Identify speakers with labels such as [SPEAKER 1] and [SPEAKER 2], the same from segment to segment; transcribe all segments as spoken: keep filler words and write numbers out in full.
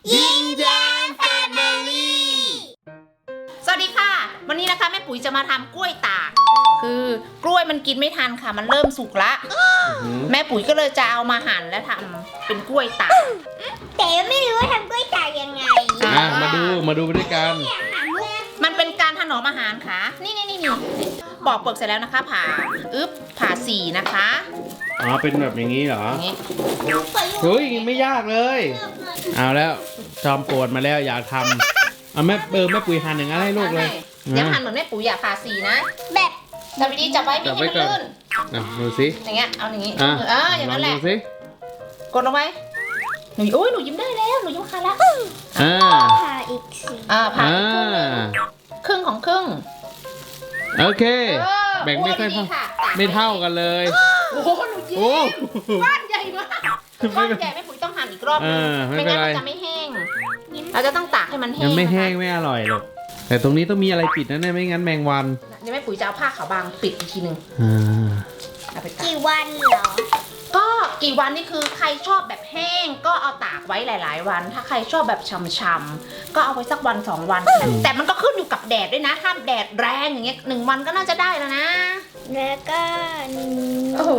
[SPEAKER 1] ยิ้มแย้มแฟมิลี่สวัสดีค่ะวันนี้นะคะแม่ปุ๋ยจะมาทำกล้วยตากคือกล้วยมันกินไม่ทันค่ะมันเริ่มสุกละแม่ปุ๋ยก็เลยจะเอามาหั่นและทำเป็นกล้วยตาก
[SPEAKER 2] แต่ไม่รู้ว่าทำกล้วยตากยังไง
[SPEAKER 3] อ่ะมาดูมาดูไปด้วยกัน
[SPEAKER 1] มันเป็นการถนอมอาหารค่ะนี่นี่นี่นี่ปอกเปลือกเสร็จแล้วนะคะผ่าอึ๊บผ่าสี่นะคะ
[SPEAKER 3] อ๋อเป็นแบบอย่างนี้เหรอ
[SPEAKER 1] อย่างนี้
[SPEAKER 3] เฮ้ยไม่ยากเลยเอาแล้วจอมปวดมาแล้วอยากทำเอาแม่เออแม่ปุ๋ยหั่นอย่างนั้นให้ลูกเลย
[SPEAKER 1] เดี๋ยวหั่นเหมือนแม่ปุ๋ยอยากผ่าสี่นะ
[SPEAKER 2] แบบ
[SPEAKER 1] จับดีๆจับไว้ไม่ให้มันลื่น
[SPEAKER 3] อ่ะดูสิ
[SPEAKER 1] อย่างเงี้ยเอาอย่างงี้
[SPEAKER 3] อ่ะ
[SPEAKER 1] เอออย่างนั้นแหละ
[SPEAKER 3] ดูสิ
[SPEAKER 1] กดลงไปหนูโอ้ยหนูยิ้มได้แล้วหนูยิ้มค่ะแล้ว
[SPEAKER 3] อ่า
[SPEAKER 2] ผ่าอีกสิ
[SPEAKER 1] อ่าผ่าอีกครึ่งของครึ่ง
[SPEAKER 3] โอเคแบ่งไม่ค่อยเท่าไม่เท่ากันเลย
[SPEAKER 1] โอ้โหหนูยิ้มก้อนใหญ่มากก้อนใหญ่แม่ปุ๋ยต้องหั่นอีกรอบนึงไม่งั้นมันจะไม่แห้งเราจะต้องตากให้มันแห้ง
[SPEAKER 3] ยังไม่แห้งไม่อร่อยหรอกแต่ตรงนี้ต้องมีอะไรปิดนะเนี่ยไม่งั้นแมงวัน
[SPEAKER 1] เดี๋ยวแม่ปุ๋ยจะเอาผ้าขาวบางปิดอีกทีนึง
[SPEAKER 2] กี่วันเหรอ
[SPEAKER 1] ก็กี่วันนี่คือใครชอบแบบแห้งก็เอาตากไว้หลายๆวันถ้าใครชอบแบบช่ำๆก็เอาไว้สักวันสองวันแต่มันก็ขึ้นอยู่กับแดดด้วยนะถ้าแดดแรงอย่างเงี้ยหนึ่งวันก็น่าจะได้แล้วนะ
[SPEAKER 2] แล้วก็
[SPEAKER 1] โอ้โห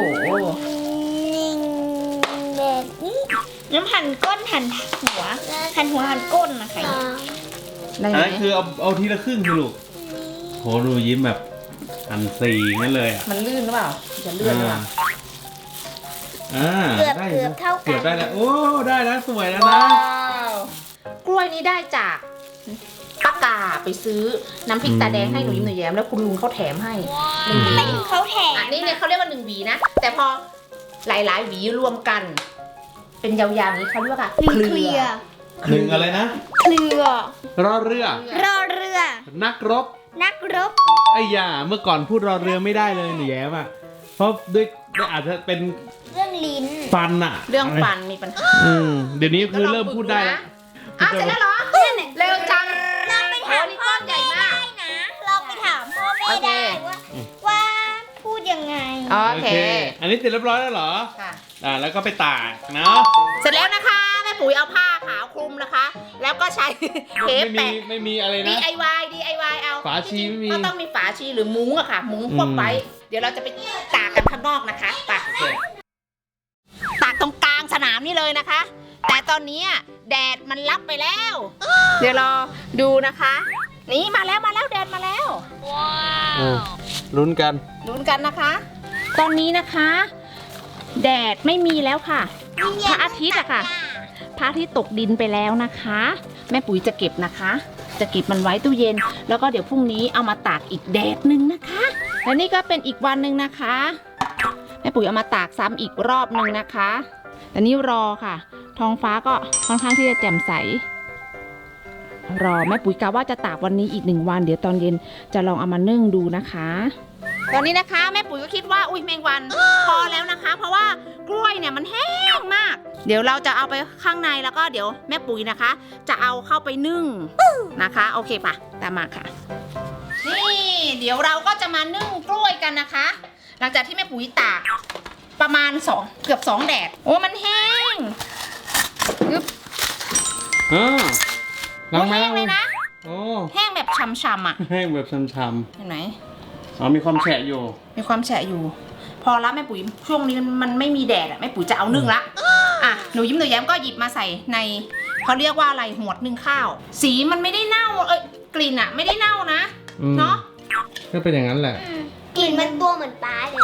[SPEAKER 2] แบบนี้น้ำหั่นก้นหั่นหัวหั่นหัวหั่นก้นนะคะ
[SPEAKER 3] อันนั้นคือเอาเอาทีละครึ่งคือลูกโหดูยิ้มแบบอันสีงั้นเลยอ่ะ
[SPEAKER 1] มันลื่นหรือเปล่าจะเลื่อนหรือเปล่า
[SPEAKER 3] อ่า
[SPEAKER 2] เกือบเกือบเท่ากัน
[SPEAKER 3] เกือบได้แล้วโอ้ได้แล้วสวยแล้วนะ
[SPEAKER 1] กล้วยนี้ได้จากป้ากาไปซื้อน้ำพริกตาแดงให้หนูยิ้มหนูแย้มแล้วคุณลุงเขาแถมให้หนึ่งหวี
[SPEAKER 2] เขาแถม
[SPEAKER 1] อันนี้เนี่ยเขาเรียกว่าหนึ่งหวีนะแต่พอหลายๆหวีรวมกันเป็นยาวๆนี้เขาเรียกว่า
[SPEAKER 2] เคลีย
[SPEAKER 3] หนึ่งอะไรนะ
[SPEAKER 2] เคลือ
[SPEAKER 3] รอเรือ
[SPEAKER 2] รอเรือ
[SPEAKER 3] นักรบ
[SPEAKER 2] นักรบ
[SPEAKER 3] ไอ้ยาเมื่อก่อนพูดรอเรือไม่ได้เลยหนูแย้มอ่ะเพราะด้วยอาจจะเป็น
[SPEAKER 2] เรื่องลิ้น
[SPEAKER 3] ฟันอะ
[SPEAKER 1] เรื่องฟันมีปัญหา
[SPEAKER 3] เดี๋ยวนี้คือเริ่มพูดได้แล้ว
[SPEAKER 1] อ้าวเสร็จแล้วเหรอเร็วจัง
[SPEAKER 2] เราไปถามพ่อแม่ได้นะเราไปถามพ่อแม่ได้ว่าว่าพูดยังไง
[SPEAKER 1] โอเค
[SPEAKER 3] อันนี้เสร็จเรียบร้อยแล้วเหรอค่ะอ่าแล้วก็ไปตากเนาะ
[SPEAKER 1] เสร็จแล้วนะคะแม่ปุ๋ยเอาผ้าขาวคลุมนะคะแล้วก็ใช้เทปแปะ
[SPEAKER 3] ไม่มีอะไรนะ
[SPEAKER 1] ดี ไอ วาย ดี ไอ วาย เอา
[SPEAKER 3] ฝาชีไม่มี
[SPEAKER 1] ก็ต้องมีฝาชีหรือมุ้งอะค่ะมุ้งพวกไว้เดี๋ยวเราจะไปตากกันข้างนอกนะคะไปตากตรงกลางสนามนี่เลยนะคะแต่ตอนนี้แดดมันลับไปแล้วเดี๋ยวรอดูนะคะนี่มาแล้วมาแล้วแดดมาแล้ว
[SPEAKER 3] ว้าวลุ้นกัน
[SPEAKER 1] ลุ้นกันนะคะตอนนี้นะคะแดดไม่มีแล้วค่ะพระอาทิตย์อะค่ะพระอาทิตย์ตกดินไปแล้วนะคะแม่ปุ๋ยจะเก็บนะคะจะเก็บมันไว้ตู้เย็นแล้วก็เดี๋ยวพรุ่งนี้เอามาตากอีกแดดหนึ่งนะคะและนี่ก็เป็นอีกวันหนึ่งนะคะแม่ปุ๋ยเอามาตากซ้ำอีกรอบหนึ่งนะคะแต่นี่รอค่ะท้องฟ้าก็ค่อนข้างที่จะแจ่มใสรอแม่ปุ๋ยกะว่าจะตากวันนี้อีกหนึ่งวันเดี๋ยวตอนเย็นจะลองเอามานึ่งดูนะคะตอนนี้นะคะแม่ปุ๋ยก็คิดว่าอุ้ยแมงวันพอแล้วนะคะเพราะว่ากล้วยเนี่ยมันแห้งมากเดี๋ยวเราจะเอาไปข้างในแล้วก็เดี๋ยวแม่ปุ๋ยนะคะจะเอาเข้าไปนึ่งนะคะโอเคป่ะตามมาค่ะนี่เดี๋ยวเราก็จะมานึ่งกล้วยกันนะคะหลังจากที่แม่ปุ๋ยตากประมาณสองเกือบสองแดดโอ้มันแห้งยึบ
[SPEAKER 3] อ่า
[SPEAKER 1] แห้งเลยนะ
[SPEAKER 3] โอ้
[SPEAKER 1] แห้งแบบช้ำๆอ่ะ
[SPEAKER 3] แห้งแบบช้ำ
[SPEAKER 1] ๆเห็นไหม
[SPEAKER 3] อ๋อมีความแฉะอยู่
[SPEAKER 1] มีความแฉะอยู่พอละแม่ปุ๋ยช่วงนี้มันไม่มีแดดอ่ะแม่ปุ๋ยจะเอานึ่งละอ่ะหนูยิ้มหนูแย้มก็หยิบมาใส่ในเขาเรียกว่าอะไรหวดนึ่งข้าวสีมันไม่ได้เน่าเอ้ยกลิ่นอ่ะไม่ได้เน่านะเนาะ
[SPEAKER 3] ก็เป็นอย่างนั้นแหละ
[SPEAKER 2] กลิ่นมันตัวเหมือนปลาเลย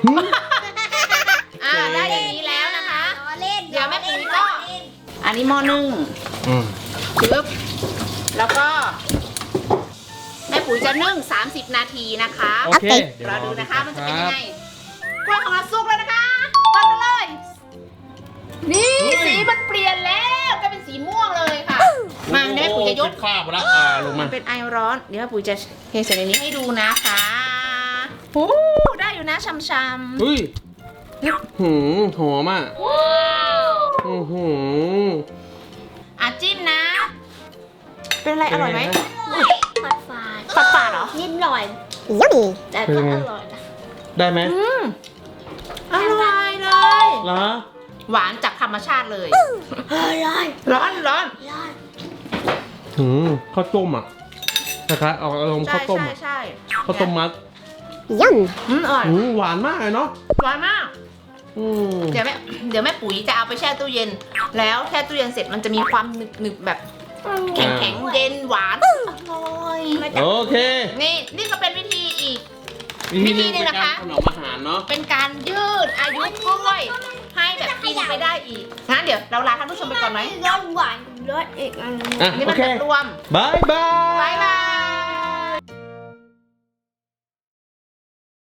[SPEAKER 1] อ่าได้อย่างนี้แล้วนะคะเดี๋ยวแม่ปุ๋ยก็อันนี้หม้อนึ่งปึ๊บแล้วก็แม่ปุ๋ยจะนึ่งสามสิบนาทีนะคะ
[SPEAKER 3] โอเค
[SPEAKER 1] รอดูนะคะมันจะเป็นยังไงกล้วยของเราสุกแล้วนะคะวางกันเลยนี่สีมันเปลี่ยนแล้วก็เป็นสีม่วงเลยค่ะมาแม่ปุ๋ยจะยก
[SPEAKER 3] ข้าวมาแล้วอ่าลงมา
[SPEAKER 1] เป็นไอร้อนเดี๋ยวแม่ปุ๋ยจะเทใส่ในนี้ให้ดูนะคะโอ้ได้อยู่นะช้ำๆ
[SPEAKER 3] อุ้ยหืมหอมอ่ะอือหือ
[SPEAKER 1] อ่ะจิ้มนะเป็นอะไรอร่อยไหม
[SPEAKER 2] ฝาดฝาด
[SPEAKER 1] ฝาดฝาดเหรอ
[SPEAKER 2] นิดหน่อยแต่ก็อร่อยนะ
[SPEAKER 3] ได้ไหม
[SPEAKER 1] อืมอร่อยเลย
[SPEAKER 3] เหรอ
[SPEAKER 1] หวานจากธรรมชาติเลย
[SPEAKER 2] ร้อน
[SPEAKER 1] ร้อนร้อน
[SPEAKER 3] หืมข้าวต้มอ่ะนะครับเอาอารมณ์
[SPEAKER 1] ใช่
[SPEAKER 3] ข้าวต้ม
[SPEAKER 1] ใช่
[SPEAKER 3] อะ
[SPEAKER 1] ใช่
[SPEAKER 3] ข้าวต้มมัด
[SPEAKER 2] ย่
[SPEAKER 1] อืมอร่อย
[SPEAKER 3] หืมหวานมากเลยเนาะ
[SPEAKER 1] หวานมาก
[SPEAKER 3] อืม
[SPEAKER 1] เดี๋ยวแม่เดี๋ยวแม่ปุ๋ยจะเอาไปแช่ตู้เย็น แล้วแช่ตู้เย็นเสร็จมันจะมีความหนึบหนึบๆแบบ
[SPEAKER 2] ำ
[SPEAKER 1] แข็งแข็งๆเย็นหวานอร่อย
[SPEAKER 3] โอเค
[SPEAKER 1] นี่นี่ก็เป็นวิธีอีก
[SPEAKER 3] วิธีหนึง
[SPEAKER 1] วิธีหนึ่
[SPEAKER 3] เป็น
[SPEAKER 1] งนะคะ
[SPEAKER 3] การถนอมอาหารเนาะ
[SPEAKER 1] เป็นการยืดอายุกล้วยให้แบบกินไปได้อีกงั้นเดี๋ยวเราลาท่านผู้ชมไปก่อนไหม
[SPEAKER 2] รสหวานรสอีกอันหนึง
[SPEAKER 3] อ่ะ
[SPEAKER 1] อันนี้
[SPEAKER 3] โอ
[SPEAKER 1] มัน
[SPEAKER 3] เค
[SPEAKER 1] แบบรวม
[SPEAKER 3] บายบาย
[SPEAKER 1] บ๊ายบาย